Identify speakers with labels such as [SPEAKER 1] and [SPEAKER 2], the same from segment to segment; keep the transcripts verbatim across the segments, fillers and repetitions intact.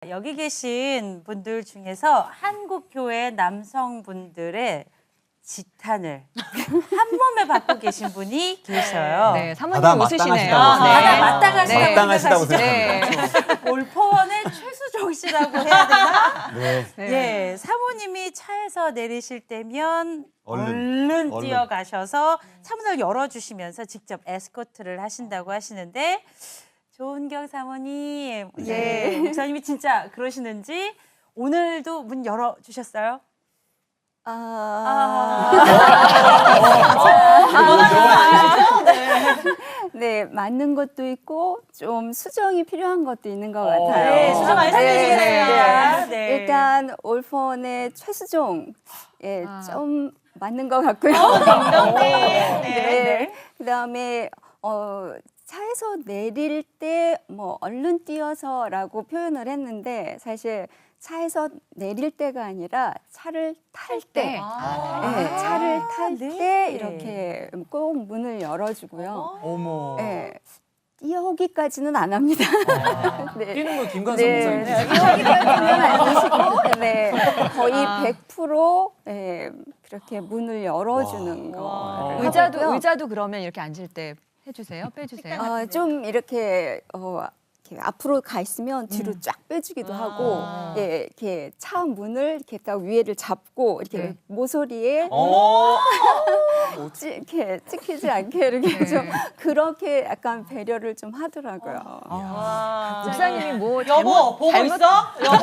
[SPEAKER 1] 여기 계신 분들 중에서 한국교회 남성분들의 지탄을 한 몸에 받고 계신 분이 계셔요.
[SPEAKER 2] 네, 사모님
[SPEAKER 3] 바다
[SPEAKER 2] 웃으시네요.
[SPEAKER 3] 마땅하시다고
[SPEAKER 1] 아,
[SPEAKER 2] 네.
[SPEAKER 1] 바다 마땅하시다고
[SPEAKER 2] 네.
[SPEAKER 3] 마땅하시다고
[SPEAKER 1] 생각하시죠? 올포원의 최수종 씨라고 해야 되나?
[SPEAKER 3] 네.
[SPEAKER 1] 예, 사모님이 차에서 내리실 때면
[SPEAKER 3] 얼른,
[SPEAKER 1] 얼른,
[SPEAKER 3] 얼른.
[SPEAKER 1] 뛰어가셔서 차문을 열어주시면서 직접 에스코트를 하신다고 하시는데 조은경 사모님, 예, 목사님이 진짜 그러시는지 오늘도 문 열어주셨어요?
[SPEAKER 4] 아, 네, 맞는 것도 있고 좀 수정이 필요한 것도 있는 것 같아요.
[SPEAKER 1] 네, 수정 말씀드리겠습니다. 네.
[SPEAKER 4] 일단 올폰의 최수종, 예,
[SPEAKER 2] 아.
[SPEAKER 4] 좀 맞는 것 같고요.
[SPEAKER 1] 네,
[SPEAKER 4] 네. 그다음에 어, 차에서 내릴 때 뭐 얼른 뛰어서라고 표현을 했는데 사실 차에서 내릴 때가 아니라 차를 탈 때,
[SPEAKER 2] 아.
[SPEAKER 4] 네, 차를 탈 때
[SPEAKER 1] 네.
[SPEAKER 4] 이렇게 꼭 문을 열어주고요.
[SPEAKER 3] 어머.
[SPEAKER 4] 네, 뛰어오기까지는 안 합니다. 네.
[SPEAKER 3] 뛰는 건 김관성
[SPEAKER 4] 네,
[SPEAKER 3] 목사님.
[SPEAKER 4] 뛰어오기까지는 아니시고, 네, 거의
[SPEAKER 2] 아.
[SPEAKER 4] 백 퍼센트 네, 그렇게 문을 열어주는 거.
[SPEAKER 2] 의자도 의자도 그러면 이렇게 앉을 때 해주세요, 빼주세요.
[SPEAKER 4] 어, 좀 이렇게 어, 이렇게 앞으로 가 있으면 뒤로 쫙 빼주기도 하고, 예, 이렇게 차 문을 이렇게 딱 위에를 잡고 이렇게
[SPEAKER 2] 네.
[SPEAKER 4] 모서리에
[SPEAKER 3] 어.
[SPEAKER 4] 찌, 이렇게 찍히지 않게 이렇게
[SPEAKER 2] 네.
[SPEAKER 4] 좀 그렇게 약간 배려를 좀 하더라고요.
[SPEAKER 1] 아,
[SPEAKER 2] 목사님이 뭐
[SPEAKER 1] 여보
[SPEAKER 2] 잘못,
[SPEAKER 1] 보고
[SPEAKER 2] 잘못
[SPEAKER 1] 있어? 여보.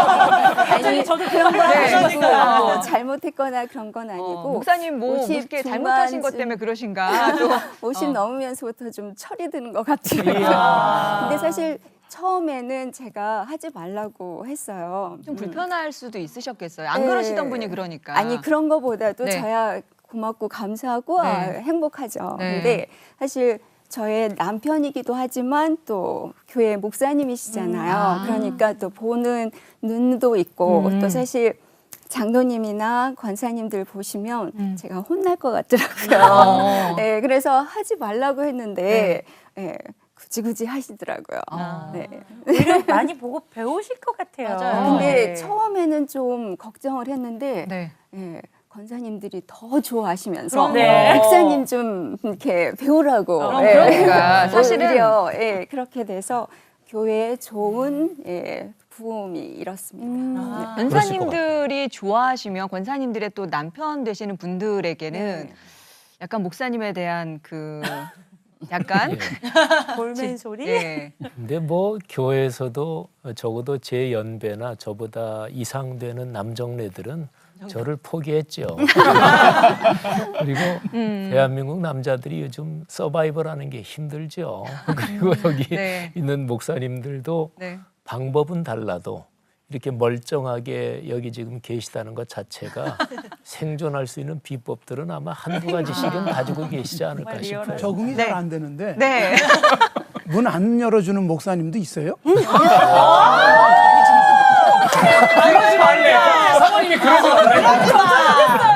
[SPEAKER 1] 갑자기 저도 그런 걸
[SPEAKER 2] 네.
[SPEAKER 1] 하시니까.
[SPEAKER 4] 뭐 잘못했거나 그런 건 아니고
[SPEAKER 2] 어, 목사님 뭐
[SPEAKER 4] 오십
[SPEAKER 2] 이렇게 잘못하신 것
[SPEAKER 4] 중반쯤-
[SPEAKER 2] 때문에 그러신가? 또
[SPEAKER 4] 오십
[SPEAKER 2] 어.
[SPEAKER 4] 넘으면서부터 좀 철이 드는 것 같아요.
[SPEAKER 1] 이야.
[SPEAKER 4] 근데 사실 처음에는 제가 하지 말라고 했어요.
[SPEAKER 2] 좀
[SPEAKER 4] 음.
[SPEAKER 2] 불편할 수도 있으셨겠어요. 안
[SPEAKER 4] 네.
[SPEAKER 2] 그러시던 분이 그러니까.
[SPEAKER 4] 아니 그런 거보다도
[SPEAKER 2] 네.
[SPEAKER 4] 저야 고맙고 감사하고 아,
[SPEAKER 2] 네.
[SPEAKER 4] 행복하죠.
[SPEAKER 2] 네.
[SPEAKER 4] 근데 사실 저의 남편이기도 하지만 또 교회 목사님이시잖아요.
[SPEAKER 2] 음. 아.
[SPEAKER 4] 그러니까 또 보는 눈도 있고
[SPEAKER 2] 음.
[SPEAKER 4] 또 사실 장로님이나 권사님들 보시면
[SPEAKER 2] 음.
[SPEAKER 4] 제가 혼날 것 같더라고요.
[SPEAKER 2] 어.
[SPEAKER 4] 네, 그래서 하지 말라고 했는데 예, 굳이 굳이 하시더라고요.
[SPEAKER 2] 아.
[SPEAKER 4] 네.
[SPEAKER 1] 오히려 많이 보고 배우실 것 같아요.
[SPEAKER 2] 맞아요.
[SPEAKER 4] 근데
[SPEAKER 1] 네.
[SPEAKER 4] 처음에는 좀 걱정을 했는데
[SPEAKER 2] 네.
[SPEAKER 4] 예, 권사님들이 더 좋아하시면서
[SPEAKER 1] 그럼 네.
[SPEAKER 4] 목사님 좀 이렇게 배우라고.
[SPEAKER 1] 아,
[SPEAKER 4] 예.
[SPEAKER 2] 그러니까 사실은-
[SPEAKER 4] 오히려, 예, 그렇게 돼서 교회에 좋은 예, 부음이 일었습니다.
[SPEAKER 1] 아.
[SPEAKER 2] 권사님들이 좋아하시면 권사님들의 또 남편 되시는 분들에게는
[SPEAKER 4] 네.
[SPEAKER 2] 약간 목사님에 대한 그 약간
[SPEAKER 1] 볼멘 소리?
[SPEAKER 2] 예.
[SPEAKER 5] 근데 뭐 교회에서도 적어도 제 연배나 저보다 이상 되는 남정네들은 저를 포기했죠. 그리고
[SPEAKER 2] 음.
[SPEAKER 5] 대한민국 남자들이 요즘 서바이벌하는 게 힘들죠. 그리고 여기
[SPEAKER 2] 네.
[SPEAKER 5] 있는 목사님들도
[SPEAKER 2] 네.
[SPEAKER 5] 방법은 달라도 이렇게 멀쩡하게 여기 지금 계시다는 것 자체가 생존할 수 있는 비법들은 아마 한두 가지씩은 가지고 계시지 않을까
[SPEAKER 1] 정말
[SPEAKER 5] 싶어요.
[SPEAKER 1] 리얼하다.
[SPEAKER 6] 적응이
[SPEAKER 2] 네.
[SPEAKER 6] 잘 안 되는데
[SPEAKER 2] 네.
[SPEAKER 6] 문 안 열어주는 목사님도 있어요?
[SPEAKER 3] 그러지 말래. 사모님이 그러지 말래.